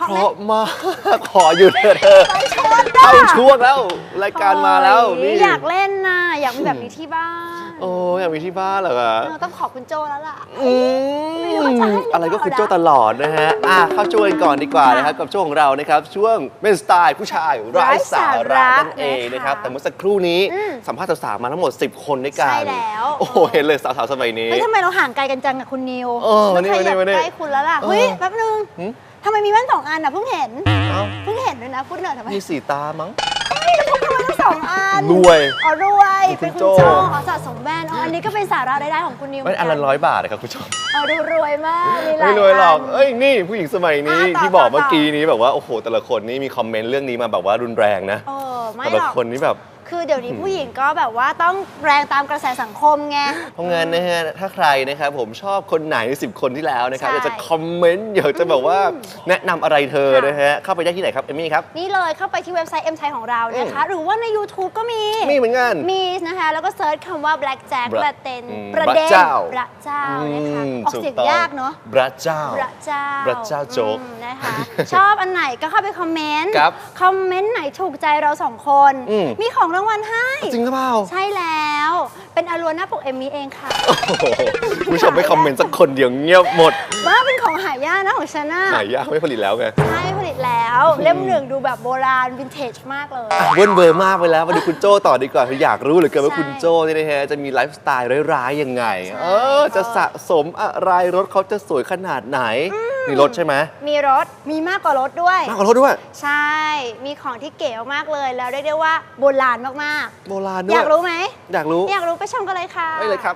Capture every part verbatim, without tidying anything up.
เพราะมากขออยู่เถอะเธอเข้าช่วงแล้วรายการมาแล้วนี่อยากเล่นนะอยากมีแบบนี้ที่บ้านโอ้อยากมีที่บ้านเหรอคะต้องขอบคุณโจแล้วล่ะอะไรก็คุณโจตลอดนะฮะอ่ะเข้าช่วงกันก่อนดีกว่านะครับกับช่วงของเรานะครับช่วงเป็นสไตล์ผู้ชายไร้สาระนั่นเองนะครับแต่เมื่อสักครู่นี้สัมภาษณ์สาวๆมาทั้งหมดสิบคนด้วยกันใช่แล้วโอ้โหเห็นเลยสาวๆสมัยนี้เฮ้ยทำไมเราห่างไกลกันจังกับคุณนิวไม่เคยอยากใกล้คุณแล้วล่ะเฮ้ยแป๊บนึงทำไมมีแว่นสองอันอ่ะเพิ่งเห็นเพิ่งเห็นด้วยนะพูดหน่อยทำไมมีสีตามั้งแล้วพกทำไมทั้งสองอันรวยอ๋อรวยเป็นคุณโจอ๋อสะสมแว่นอ๋ออันนี้ก็เป็นสาระได้ๆของคุณนิวแว่นอันละร้อยบาทนะครับคุณโจอ๋อดูรวยมากมีหลายไม่รวยหรอกเอ้ยนี่ผู้หญิงสมัยนี้ที่บอกเมื่อกี้นี้แบบว่าโอ้โหแต่ละคนนี่มีคอมเมนต์เรื่องนี้มาแบบว่ารุนแรงนะแต่ละคนนี่แบบคือเดี๋ยวนี้ผู้หญิงก็แบบว่าต้องแรงตามกระแสสังคมไงเพราะงั้นนะฮะถ้าใครนะครับผมชอบคนไหนสิบคนที่แล้วนะครับอยากจะคอมเมนต์อยากจะแบบว่าแนะนำอะไรเธอนะฮะเข้าไปได้ที่ไหนครับเอมมี่ครับนี่เลยเข้าไปที่เว็บไซต์ เอ็ม ไทย ของเรานะคะหรือว่าใน YouTube ก็มีมีเหมือนกันมีนะคะแล้วก็เซิร์ชคำว่า Black Jack ประเด็นประเด็นพระเจ้าพระเจ้านะคะออกเสียงยากเนาะพระเจ้าพระเจ้าพระเจ้าโจ๊กนะคะชอบอันไหนก็เข้าไปคอมเมนต์คอมเมนต์ไหนถูกใจเราสองคนมีของรางวัลให้จริงหรือเปล่าใช่แล้วเป็นอลัวหน้าปกเอมมี่เองค่ะผู้ชมไม่คอมเมนต์สักคนเดียวเงียบหมดว่าเป็นของหายากนะของชาน่าหายากไม่ผลิตแล้วไงใช่ผลิตแล้วเล่มหนึ่งดูแบบโบราณวินเทจมากเลยเวิร์นเบอร์มากไปแล้วมาดูคุณโจ้ต่อดีกว่าคืออยากรู้เหลือเกินว่าคุณโจ้นี่นะฮะจะมีไลฟ์สไตล์ร้ายๆยังไงเออจะสะสมอะไรรถเขาจะสวยขนาดไหนมีรถใช่ไหมมีรถมีมากกว่ารถด้วยมากกว่ารถด้วยใช่มีของที่เก๋มากเลยแล้วเรียกได้ว่าโบราณมากๆโบราณด้วยอยากรู้ไหมอยากรู้อยากรู้ไปชมกันเลยค่ะไปเลยครับ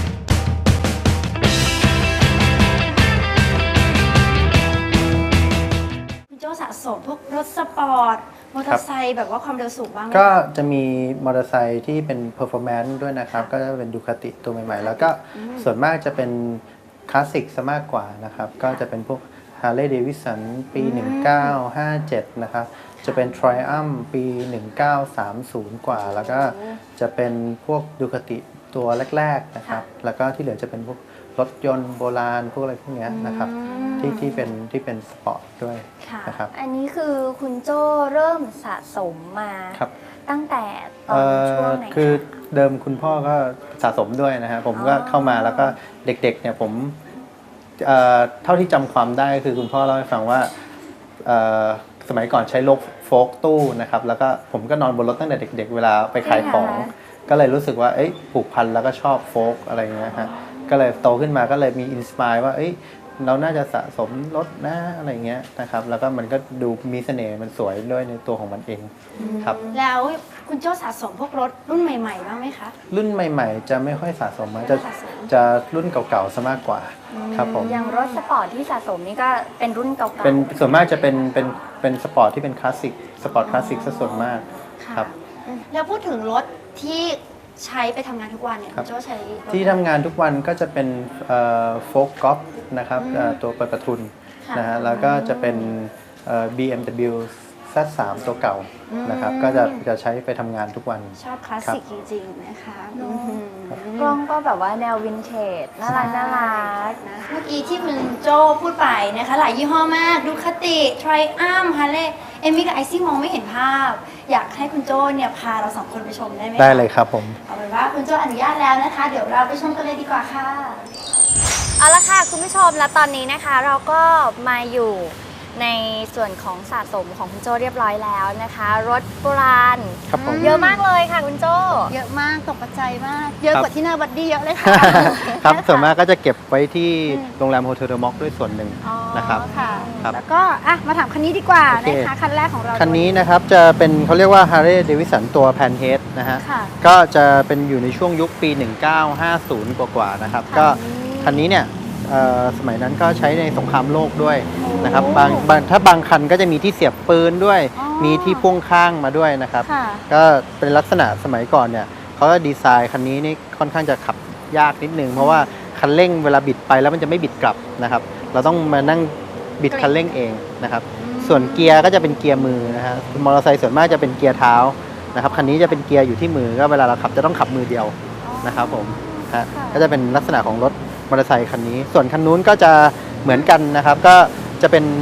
คุณโจ้สะสมพวกรถสปอร์ตมอเตอร์ไซค์แบบว่าความเร็วสูงบ้างไหมก็จะมีมอเตอร์ไซค์ที่เป็น performance ด้วยนะครับก็จะเป็นดูคาติตัวใหม่ๆแล้วก็ส่วนมากจะเป็นคลาสสิกซะมากกว่านะครับก็จะเป็นพวก Harley Davidson ปี หนึ่งเก้าห้าเจ็ด นะครับจะเป็น Triumph ปี หนึ่งเก้าสามศูนย์ กว่าแล้วก็จะเป็นพวกดูคาติตัวแรกๆนะครับแล้วก็ที่เหลือจะเป็นพวกรถยนต์โบราณพวกอะไรพวกนี้นะครับที่ที่เป็นที่เป็นสปอร์ตด้วยนะครับอันนี้คือคุณโจ้เริ่มสะสมมาตั้งแต่ตอนช่วงไหนคือเดิมคุณพ่อก็สะสมด้วยนะฮะผมก็เข้ามาแล้วก็เด็กๆเนี่ยผมเท่าที่จำความได้คือคุณพ่อเล่าให้ฟังว่าสมัยก่อนใช้รถโฟล์กตู้นะครับแล้วก็ผมก็นอนบนรถตั้งแต่เด็กๆเวลาไปขายของก็เลยรู้สึกว่าผูกพันแล้วก็ชอบโฟล์กอะไรเงี้ยฮะก็เลยโตขึ้นมาก็เลยมีอินสปายว่าเราน่าจะสะสมรถนะอะไรเงี้ยนะครับแล้วก็มันก็ดูมีเสน่ห์มันสวยด้วยในตัวของมันเองครับแล้วคุณโจ้สะสมพวกรถรุ่นใหม่ๆบ้างไหมคะรุ่นใหม่ๆจะไม่ค่อยสะสมจะจะรุ่นเก่าๆซะมากกว่าครับผมอย่างรถสปอร์ตที่สะสมนี่ก็เป็นรุ่นเก่าๆเป็นส่วนมากจะเป็นเป็นเป็นสปอร์ตที่เป็นคลาสสิกสปอร์ตคลาสสิกซะส่วนมากครับแล้วพูดถึงรถที่ใช้ไปทำงานทุกวันเนี่ยคุณโจ้ใช้ที่ทำงานทุกวันก็จะเป็นโฟล์กกอล์ฟนะครับตัวเปิดประทุนนะฮะแล้วก็จะเป็น บี เอ็ม ดับเบิลยู แซด สาม ตัวเก่านะครับก็จะจะใช้ไปทำงานทุกวันชอบคลาสสิกจริงๆนะคะกล้องก็แบบว่าแนววินเทจน่ารักน่ารักนะเมื่อกี้ที่คุณโจ้พูดไปนะคะหลายยี่ห้อมากดูคาติ Triumph Harley เอมมี่กับไอซี่มองไม่เห็นภาพอยากให้คุณโจ้เนี่ยพาเราสองคนไปชมได้ไหมได้เลยครับผมเอาเป็นว่าคุณโจ้อนุญาตแล้วนะคะเดี๋ยวเราไปชมกันเลยดีกว่าค่ะเอาละค่ะคุณผู้ชมและตอนนี้นะคะเราก็มาอยู่ในส่วนของสะสมของคุณโจ้เรียบร้อยแล้วนะคะรถโบราณเยอะมากเลยค่ะคุณโจ้เยอะมากตกใจมากเยอะกว่าที่หน้าบัดดี้เยอะเลยค่ะครับส่วนมากก็จะเก็บไว้ที่โรงแรมโฮเทลเดอะม็อกด้วยส่วนหนึ่งนะครับแล้วก็อ่ะมาถามคันนี้ดีกว่านะคะคันแรกของเราคันนี้นะครับจะเป็นเขาเรียกว่า Harley Davidson ตัวแพนเฮดนะฮะก็จะเป็นอยู่ในช่วงยุคปี หนึ่งเก้าห้าศูนย์ กว่าๆนะครับก็คันนี้เนี่ยสมัยนั้นก็ใช้ในสงครามโลกด้วยนะครับบางบางถ้าบางคันก็จะมีที่เสียบปืนด้วยมีที่พ่วงข้างมาด้วยนะครับก็เป็นลักษณะสมัยก่อนเนี่ยเขาก็ดีไซน์คันนี้นี่ค่อนข้างจะขับยากนิดนึงเพราะว่าคันเร่งเวลาบิดไปแล้วมันจะไม่บิดกลับนะครับเราต้องมานั่งบิดคันเร่งเองนะครับส่วนเกียร์ก็จะเป็นเกียร์มือนะฮะมอเตอร์ไซค์ส่วนมากจะเป็นเกียร์เท้านะครับคันนี้จะเป็นเกียร์อยู่ที่มือก็เวลาเราขับจะต้องขับมือเดียวนะครับผมฮะก็จะเป็นลักษณะของรถมอเตอร์ไซค์คันนี้ส่วนคันนู้นก็จะเหมือนกันนะครับก็จะเป็น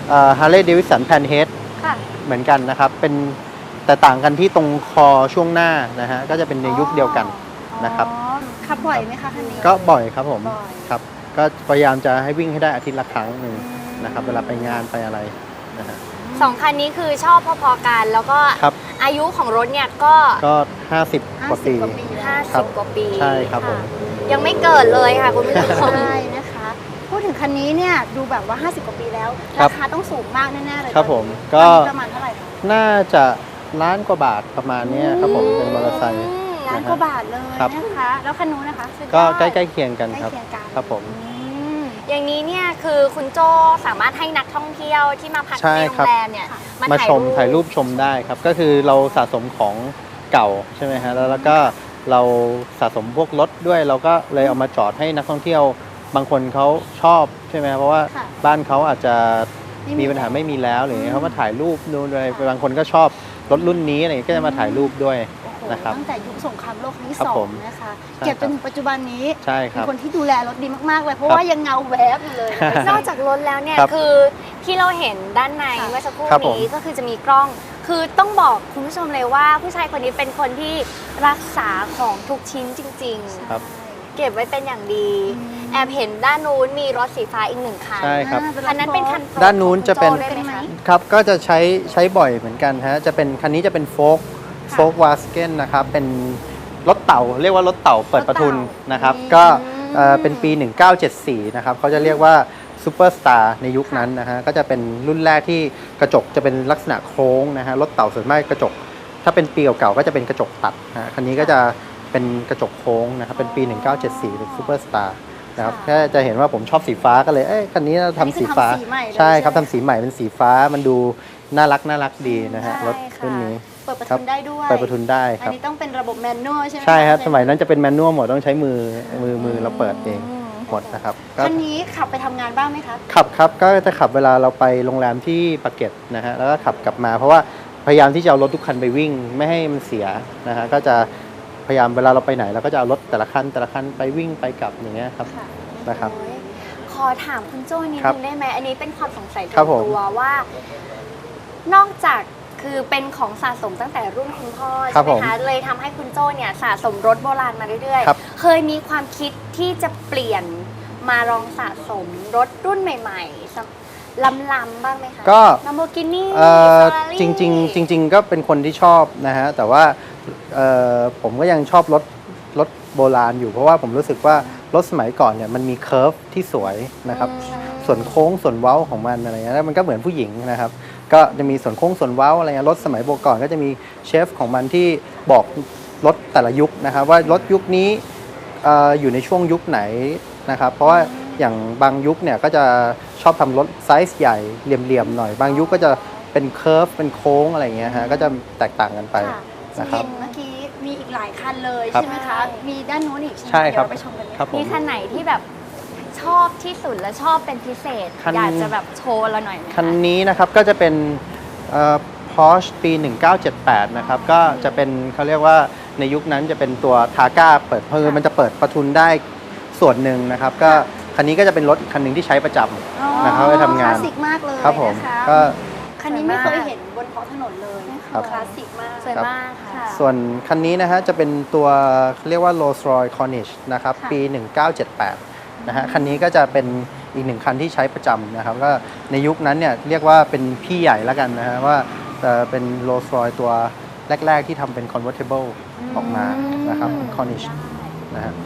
ฮาร์เลย์เดวิสันแพนเฮดค่ะเหมือนกันนะครับเป็นแต่ต่างกันที่ตรงคอช่วงหน้านะฮะก็จะเป็นในยุคเดียวกันนะครับอ๋อขับบ่อยไหมคะคันนี้ก็บ่อยครับผมบ่อยครับก็พยายามจะให้วิ่งให้ได้อาทิตย์ละครั้งหนึ่งนะครับเวลาไปงานไปอะไรนะฮะสองคันนี้คือชอบพอๆกัน แล้วก็ครับอายุของรถเนี่ยก็ก็ห้าสิบกว่าปีห้าสิบกว่าปีห้าครัสิบบกว่าปีใช่ครับผมะยังไม่เกิดเลยค่ะคุณผู้ชมใช่นะคะ พูดถึงคันนี้เนี่ยดูแบบว่า ห้าสิบ กว่าปีแล้วครัราบคาต้องสูงมากแน่ๆเลยครับผมก็ก็ประมาณเท่าไหร่คะน่าจะล้านกว่าบาทประมาณเนี้ยครับผมเป็นมอเตอร์ไซค์ล้านกว่าบาทเลยครับนะคะ แล้วคันนู้นนะคะสุดยอดก็ใกล้ๆเคียงกันใกล้ครับเคียงกันครับผมอืมอย่างนี้เนี่ยคือคุณโจสามารถให้นักท่องเที่ยวที่มาพักใช่ที่โรครับงแรมเนี่ยมาชมถ่ายรูปชมได้ครับ ก็คือเราสะสมของเก่าใช่ไหมฮะแล้วแล้วก็เราสะสมพวกรถด้วย เราก็เลยเอามาจอดให้นักท่องเที่ยวบางคนเขาชอบใช่ไหมเพราะว่าค่ะบ้านเขาอาจจะไม่มีมีปัญหาไม่มีแล้วหรืออืมเขามาถ่ายรูปดูอะไรบางคนก็ชอบรถรุ่นนี้อะไรอย่างเงี้ยก็จะมาถ่ายรูปด้วยโอ้โหนะครับตั้งแต่ยุคสงครามโลกครั้งที่ครับสอผงมนะคะใช่เก็บจนครับถึงปัจจุบันนี้ใช่คเป็รันบคนที่ดูแลรถดีมากๆเลย เพราะครับว่ายังเงาแวบอยู่เลยนะคะนอกจากรถแล้วเนี่ยครับคือที่เราเห็นด้านในค่ะเมื่อสักครู่ครับผมนี้ก็คือจะมีกล้อง คือต้องบอกคุณผู้ชมเลยว่า ผู้ชายคนนี้เป็นคนที่รักษาของทุกชิ้นจริงครับๆ เก็บไว้เป็นอย่างดีอืมแอบเห็นด้านนู้นมีรถสีฟ้าอีกหนึ่งคันใช่ครับอ่าคันนั้นเป็นคันโปรดด้านนู้นจะเป็นของคุณโจ้ด้วยไหมคะครับก็จะใช้ใช้บ่อยเหมือนกันฮะจะเป็นคันนี้จะเป็นโฟกโฟกวาสเกนนะครับเป็นรถเต่าเรียกว่ารถเต่าเปิดประทุนนะครับอืมก็เอ่อเป็นปี หนึ่งเก้าเจ็ดสี่นะครับเขาจะเรียกว่าซูเปอร์สตาร์ในยุคนั้นนะฮะก็จะเป็นรุ่นแรกที่กระจกจะเป็นลักษณะโค้งนะฮะรถเต่าส่วนมากกระจก ถ้าเป็นปีเก่าๆก็จะเป็นกระจกตัดนะฮะคันนี้ก็จะเป็นกระจกโค้งนะครับเป็นปี หนึ่งเก้าเจ็ดสี่เป็นซูเปอร์สตาร์นะครับแค่จะเห็นว่าผมชอบสีฟ้าก็เลยเอ้ยคันนี้เราทำสีฟ้าอันนี้คือทำสีใหม่เลยใช่ครับใช่ไหมทำสีใหม่เป็นสีฟ้ามันดูน่ารักน่ารักดีนะฮะใช่รถค่ะรุ่นนี้เปิดประครัทุบนได้ด้วยเปิดประทุนได้คอันรับนี้ต้องเป็นระบบแมนนวลใช่ไหมใช่ครับะสมัยนั้นจะเป็นแมนนวลหมดต้องใช้มือมือมือเราเปิดเองหมดนะครับก็คันนี้ขับไปทำงานบ้างไหมคะขับครับก็จะขับเวลาเราไปโรงแรมที่ปากเกร็ดนะฮะแล้วก็ขับกลับมาเพราะว่าพยายามที่จะเอารถทุกคันไปวิ่งไม่ให้มันเสียนะฮะก็จะพยายามเวลาเราไปไหนเราก็จะเอารถแต่ละคันแต่ละคันไปวิ่งไปกลับอย่างเงี้ยครับค่ะนะครับโอ้ยขอถามคุณโจ้นิดครับนึงได้ไหมอันนี้เป็นความสงสัยส่ครับวนผมตัวว่า นอกจากคือเป็นของสะสมตั้งแต่รุ่นคุณพ่อครัใช่บไหมผมคะเลยทำให้คุณโจ้เนี่ยสะสมรถโบราณมาเรื่อยครับๆ เคยมีความคิดที่จะเปลี่ยนมาลองสะสมรถรุ่นใหม่ๆสักล้ำๆบ้างไหมคะก็ลัมโบกินี่เอ่อจริงๆจริง ๆ ก็เป็นคนที่ชอบนะฮะแต่ว่าเอ่อผมก็ยังชอบรถรถโบราณอยู่เพราะว่าผมรู้สึกว่ารถสมัยก่อนเนี่ยมันมีเคิร์ฟที่สวยนะครับส่วนโค้งส่วนเว้าของมันอะไรเงี้ยแล้วมันก็เหมือนผู้หญิงนะครับก็จะมีส่วนโค้งส่วนเว้าอะไรเงี้ยรถสมัยโบก่อนก็จะมีเชฟของมันที่บอกรถแต่ละยุคนะครับว่ารถยุคนี้เอ่ออยู่ในช่วงยุคไหนนะครับเพราะว่าอย่างบางยุคเนี่ยก็จะชอบทำรถไซส์ใหญ่เหลี่ยมๆหน่อย บางยุคก็จะเป็นเคิร์ฟเป็นโค้งอะไรเงี้ยฮะก็จะแตกต่างกันไปค่ะนะครับเห็นเมื่อกี้มีอีกหลายคันเลยครับใช่ไหมคะ มีด้านนู้นอีกใช่ไหมใช่ครับเดี๋ยวเราไปชมกันไหมครับผมมีคันไหนที่แบบชอบที่สุดและชอบเป็นพิเศษคันอยากจะแบบโชว์เราหน่อยไหมะคันนี้นะครับก็จะเป็นเอ่อ Porsche ปี หนึ่งเก้าเจ็ดแปดนะครับก็จะเป็นเขาเรียกว่าในยุคนั้นจะเป็นตัวทาก้าเปิดเพลิงมันจะเปิดประทุนได้ส่วนหนึ่งนะครับก็คันนี้ก็จะเป็นรถคันหนึ่งที่ใช้ประจำนะครับไปทำงานคลาสสิกมากเลยครับผมนะคะก็คันนี้ไม่เคยเห็นบนท้องถนนเลยครับคลาสสิกมากสวยครับมากค่ะค่ะส่วนคันนี้นะฮะจะเป็นตัวเรียกว่า Rolls-Royce Corniche นะครับค่ะปี หนึ่งเก้าเจ็ดแปดนะฮะคันนี้ก็จะเป็นอีกหนึ่งคันที่ใช้ประจำนะครับก็ในยุคนั้นเนี่ยเรียกว่าเป็นพี่ใหญ่แล้วกันนะฮะว่าเอ่อเป็น Rolls-Royce ตัวแรก ๆ ที่ทำเป็น convertible ออกมานะครับ Corniche นะฮะ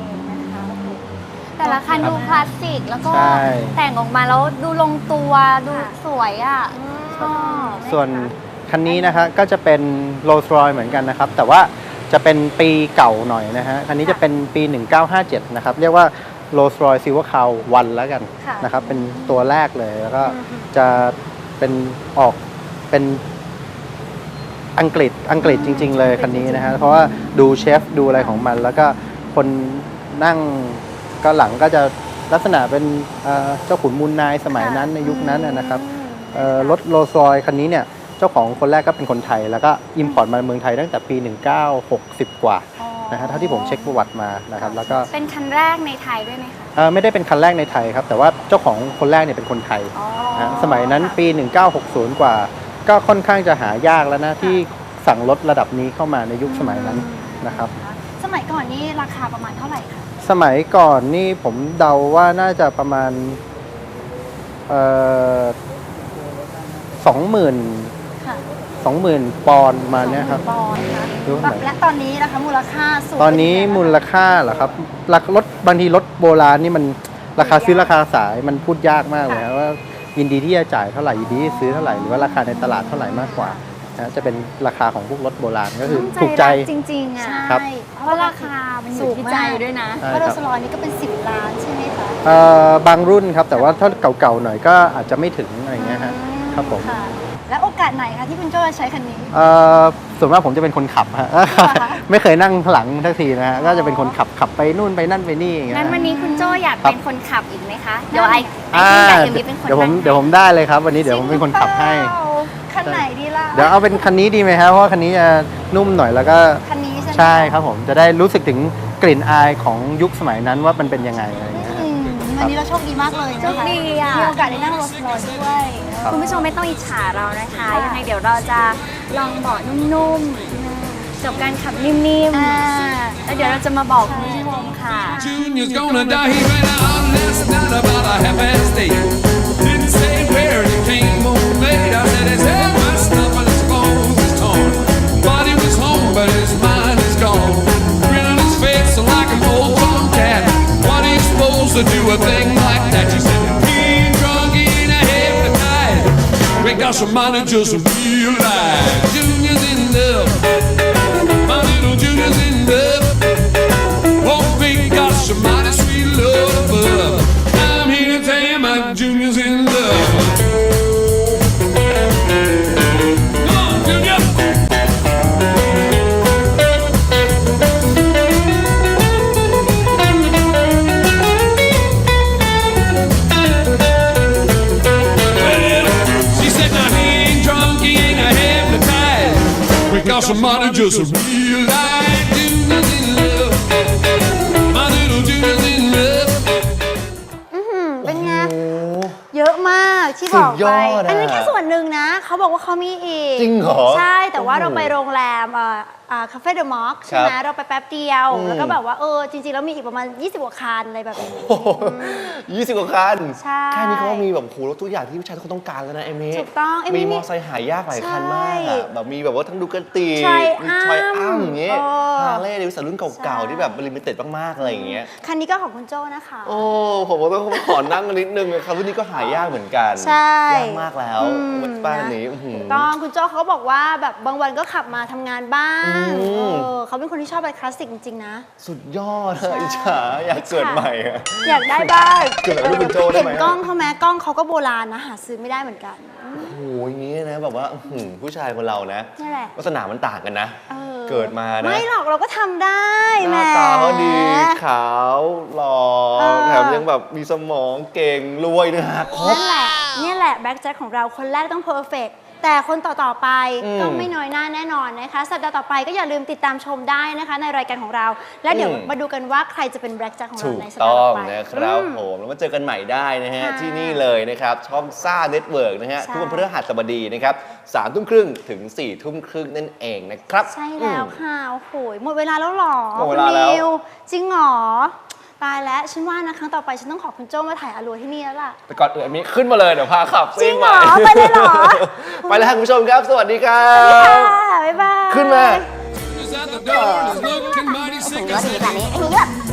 แต่ละคันดูคลาสสิกแล้วก็ใช่แต่งออกมาแล้วดูลงตัวดูสวยอ่ะชอบส่วนคันนี้นะฮะก็จะเป็น Rolls Royce เหมือนกันนะครับ แต่ว่าจะเป็นปีเก่าหน่อยนะฮะคันนี้จะเป็นปี หนึ่งเก้าห้าเจ็ด นะครับ เรียกว่า Rolls Royce Silver Crown วันแล้วกันค่ะนะครับ เป็นตัวแรกเลยแล้วก็จะเป็นออกเป็นอังกฤษอังกฤษจริง ๆ เลยคันนี้นะฮะเพราะว่าดูเชฟดูอะไรของมัน แล้วก็คนนั่งก็หลังก็จะลักษณะเป็นเอ่อเจ้าขุนมูลนายสมัยนั้นในยุคนั้นนะนะครับ เอ่อรถโรลส์รอยซ์คันนี้เนี่ยเจ้าของคนแรกก็เป็นคนไทย แล้วก็อิมพอร์ตมาเมืองไทยตั้งแต่ปี หนึ่งเก้าหกสิบ กว่านะฮะเท่าที่ผมเช็คประวัติมานะครับแล้วก็เป็นคันแรกในไทยด้วยไหมคะเอ่อไม่ได้เป็นคันแรกในไทยครับ แต่ว่าเจ้าของคนแรกเนี่ยเป็นคนไทยอ๋อนะสมัยนั้นปี หนึ่งเก้าหกศูนย์ กว่า ก็ค่อนข้างจะหายากแล้วนะที่สั่งรถระดับนี้เข้ามาในยุคสมัยนั้นนะครับสมัยก่อนนี่ราคาประมาณเท่าไหร่คะสมัยก่อนนี่ผมเดาว่าน่าจะประมาณเอ่อสองหมื่นค่ะสองหมื่นปอนด์ประมาณเนี้ยครับปอนด์นะดูหน่อยและตอนนี้นะคะมูลค่าสูงตอนนี้มูลค่าเหรอครับราคารถบางทีรถโบราณนี่มันราคาซื้อราคาขายมันพูดยากมากเลยครับว่ายินดีที่จะจ่ายเท่าไหร่ยินดีที่ซื้อเท่าไหร่หรือว่าราคาในตลาดเท่าไหร่มากกว่านะจะเป็นราคาของพวกรถโบราณก็คือถูกใจจริงๆอ่ะครับใช่เพราะราคามันอยู่ที่ใจด้วยนะใช่เพราะคโรรับลส์รอยซ์นี่ก็เป็นสิบล้านใช่ไหมคะเอ่อบางรุ่นครับแต่ว่าถ้าเก่าๆหน่อยก็อาจจะไม่ถึงอะไรเงี้ยฮะครับผมค่ะ แล้วโอกาสไหนคะที่คุณโจ้จะใช้คันนี้เอ่อส่วนมากผมจะเป็นคนขับฮะ ไม่เคยนั่งหลังทักทีนะฮะก็จะเป็นคนขับขับไปนู่นไปนั่นไปนี่อย่างเงี้ยงั้นวันนี้คุณโจ้อยากครับเป็นคนขับอีกไหมคะ เดี๋ยวไอไออ่าที่กับเอ็มวีเป็นคนเดี๋ยวผมนั่งเดี๋ยวผมได้เลยครับ วันนี้เดี๋ยวผมเป็นคนขับให้จริงเปล่าคันไหนดีล่ะเดี๋ยวเอาเป็นคันนี้ดีไหมครับเพราะว่าคันนี้จะนุ่มหน่อยแล้วก็คันนี้ใช่ไหมใช่ครับผมจะได้รู้สึกถึงกลิ่นอายของยุคสมัยนั้นว่ามันเป็นยังไงอะไรอย่างเงี้ยอืมวันนี้เราโชคดีมากเลยนะคะโชคดีอ่ะมีโอกาสได้นั่งโรลส์รอยซ์ด้วยครับคุณผู้ชมไม่ต้องอิจฉาเรานะคะค่ะยังไงเดี๋ยวเราจะลองเบาะนุ่มๆกับการขับนิ่มอ่าๆ แล้วเดี๋ยวเราจะมาบอกคุณผู้ชมค่ะ Junior's gonna die. He ran out last night about a half past eight. Didn't say where he came home late. I said his head messed up and his clothes is torn. Body was home, but his mind is gone. Grin on his face like an old tomcat. What are you supposed to do a thing like that? She said, being drunk ain't a hypnotized. We got some money just realize Junior's in love. My little Junior's in love. Oh, we got some mighty sweet love above. I'm here to tell you my Junior's in love. Come on, Junior. Well, she said, now he ain't drunk, he ain't a hypnotized. We got some money just realize Junior's in love. My little Junior's in love. เป็นไง เยอะมากที่บอกสุดยไปอดอะอันนี้แค่ส่วนหนึ่งนะ เขาบอกว่าเขามีอีกจริงเหรอใช่ แต่ว่าโอ้โหเราไปโรงแรมเอ่ออ่าคาเฟ่เดอะมอคใช่ไหมครับเราไปแป๊บเดียวอืมแล้วก็แบบว่าเออจริงๆแล้วมีอีกประมาณยี่สิบกว่าคันอะไรแบบนี้ยี่สิบกว่าคันใช่แค่นี้เขาก็มีแบบโหรถทุกอย่างที่ผู้ชายทุกคนต้องการแล้วนะเอมี่ถูกต้องเอมี่มีมอเตอร์ไซค์หายากหลายคันมากใช่อะแบบมีแบบว่าทั้งดูกติ Tri มีทรอยอัมอย่างเงี้ยเออฮาร์เลย์เดวิสันรุ่นเก่าใช่ๆ ที่แบบลิมิเต็ดมากๆอะไรอย่างเงี้ยคันนี้ก็ของคุณโจ้นะคะโอ้ผมก็ต้องขอนั่งกันนิดนึงนะครับรุ่นนี้ก็หายากเหมือนกันใช่ยากมากแล้วอืมวัดป้าอันนี้อื้อหือต้องคุณโจ้เขาบอกว่าแบบบางวันก็ขับมาทำงานบ้างอืมเออเขาเป็นคนที่ชอบอะไรคลาสสิกจริงๆนะสุดยอดอะอิจฉาอยากเกิดใหม่อะอยากได้บ้างเกิดแบบลูกคุณโจ้ได้ไหมเห็นกล้องเขาไหมกล้องเขาก็โบราณนะหาซื้อไม่ได้เหมือนกันโอ้โหอย่างนี้นะแบบว่าอื้อหือผู้ชายคนเรานะนี่แหละลักษณะมันต่างกันนะออเกิดมานะไม่หรอกเราก็ทำได้หแหมน้าตาเขาดีขาวหล่อเออแถมยังแบบมีสมองเก่งรวยนะฮะครบนั่นแหละนี่แหละแบ็คแจ็คของเราคนแรกต้องเพอร์เฟกแต่คนต่อ ๆ ไปอืมก็ไม่น้อยหน้าแน่นอนนะคะสัปดาห์ต่อไปก็อย่าลืมติดตามชมได้นะคะ ในรายการของเรา และเดี๋ยวอืมมาดูกันว่าใครจะเป็นแบ็คแจ็คของเราถูกในสัปดาต้ห์อต่อง ไปนะครับอืมผมแล้วมาเจอกันใหม่ได้นะฮะค่ะที่นี่เลยนะครับ ช่องซ่าเน็ตเวิร์กนะฮะใช่ทุกวันพฤหัสบดีนะครับสามทุ่มครึ่งถึงสี่ทุ่มครึ่งนั่นเองนะครับใช่แล้วอืมค่ะโอ้โหหมดเวลาแล้วเหรอหมดเวลาแล้วคุณนิวจริงเหรอตายแล้วฉันว่านะครั้งต่อไปฉันต้องขอคุณโจ้มาถ่ายอลัวที่นี่แล้วล่ะแต่ก่อนอื่นมีขึ้นมาเลยเดี๋ยวพาขับจริซิ่งงเหใหรม่อไปเลยเหรอไปแล้วครับคุณผู้ชมครับ สวัสดีครัค่ะบบ๊ายบายขึ้นมา Is at the door and is looking mighty sick. I said, แบบนี้ไอ้นี่แบบ